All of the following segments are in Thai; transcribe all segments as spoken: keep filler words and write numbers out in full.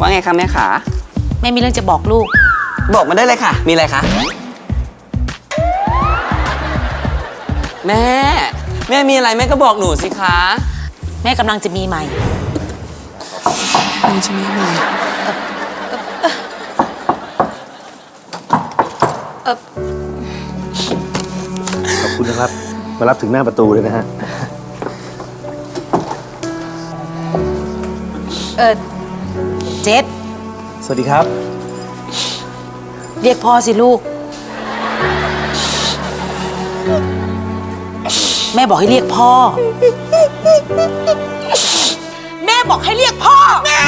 ว่าไงคะแม่ขาแม่มีเรื่องจะบอกลูกบอกมาได้เลยค่ะมีอะไรคะแม่แม่มีอะไรแม่ก็บอกหนูสิคะแม่กำลังจะมีใหม่กำลังจะมีใหม่ขอบคุณนะครับมารับถึงหน้าประตูเลยนะฮะเออเจษสวัสดีครับเรียกพ่อสิลูกแม่บอกให้เรียกพ่อแม่บอกให้เรียกพ่อแม่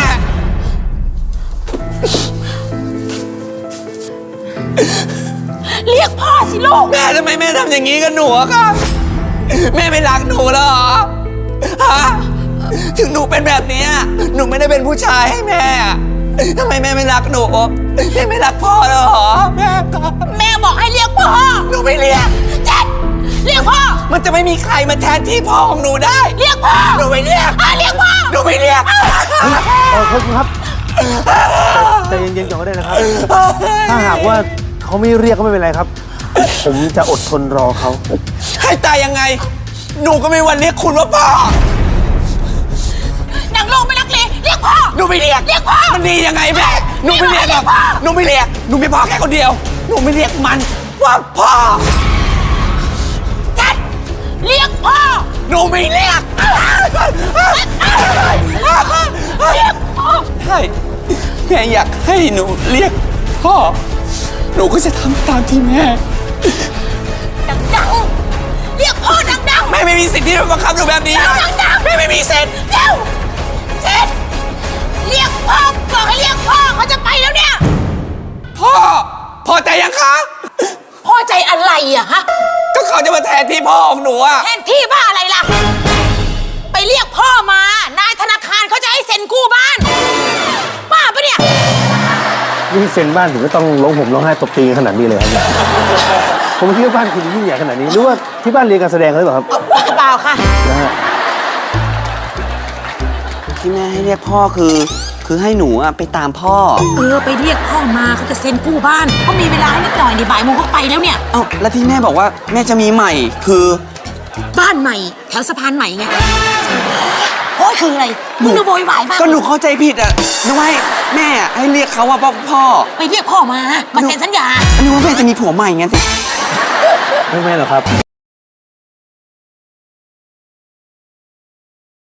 เรียกพ่อสิลูกแม่ทำไมแม่ทำอย่างนี้กับหนูอะคะแม่ไม่รักหนูแล้วเหรอฮะถึงหนูเป็นแบบนี้หนูไม่ได้เป็นผู้ชายให้แม่ทำไมแม่ไม่รักหนูแม่ไม่รักพ่อแล้วเหรอแม่แม่บอกให้เรียกพ่อหนูไม่เรียกเจ็ดเรียกพ่อมันจะไม่มีใครมาแทนที่พ่อของหนูได้เรียกพ่อหนูไม่เรียกเรียกพ่อหนูไม่เรียกขอบคุณครับใจเย็นๆก่อนก็ได้นะครับถ้าหากว่าเขาไม่เรียกก็ไม่เป็นไรครับผมจะอดทนรอเขาให้ตายยังไงหนูก็ไม่วันเรียกคุณว่าพ่อนางโลไม่รักเลยเรียกพ่อหนูไม่เรียกเรียกพ่อมันดียังไงแม่หนูไม่เรียกหรอกหนูไม่เรียกหนูมีพ่อแค่คนเดียวหนูไม่เรียกมันว่าพ่อจัดเรียกพ่อหนูไม่เรียกเรียกพ่อใช่แม่อยากให้หนูเรียกพ่อหนูก็จะทำตามที่แม่ดังๆเรียกพ่อดังๆแม่ไม่มีสิทธิ์ที่จะบังคับหนูแบบนี้ดังๆแม่ไม่มีสิทธิ์เร็วเจ็ดเรียกพ่อบอกให้เรียกพ่อเขาจะไปแล้วเนี่ยพ่อพอใจยังคะพอใจอะไรอะฮะก็เขาจะมาแทนที่พ่อของหนูอะแทนที่บ้าอะไรล่ะไปเรียกพ่อมานายธนาคารเขาจะให้เซ็นกู้บ้านป้าปะเนี่ยนี่เซ็นบ้านถึงก็ต้องร้องห่มร้องไห้ตบตีขนาดนี้เลยครับผมคิดว่าบ้านคุณยิ่งใหญ่ขนาดนี้หรือว่าที่บ้านเรียนการแสดงหรือเปล่าครับเปล่าค่ะนะฮะที่แม่ให้เรียกพ่อคือคือให้หนูอะไปตามพ่อเออไปเรียกพ่อมาเขาจะเซ็นกู้บ้านก็มีเวลาให้นิดหน่อยในบ่ายโมงเขาไปแล้วเนี่ยเอ้าแล้วที่แม่บอกว่าแม่จะมีใหม่คือบ้านใหม่แถวสะพานใหม่ไงโอ้ยคืออะไรมึงดูโวยวายมากก็หนูเข้าใจผิดอ่ะนึกว่าแม่ให้เรียกเขาว่าพ่อไปเรียกพ่อมามาเซ็นสัญญานึกว่าแม่จะมีผัวใหม่ไงสิไม่แม่หรอกครับ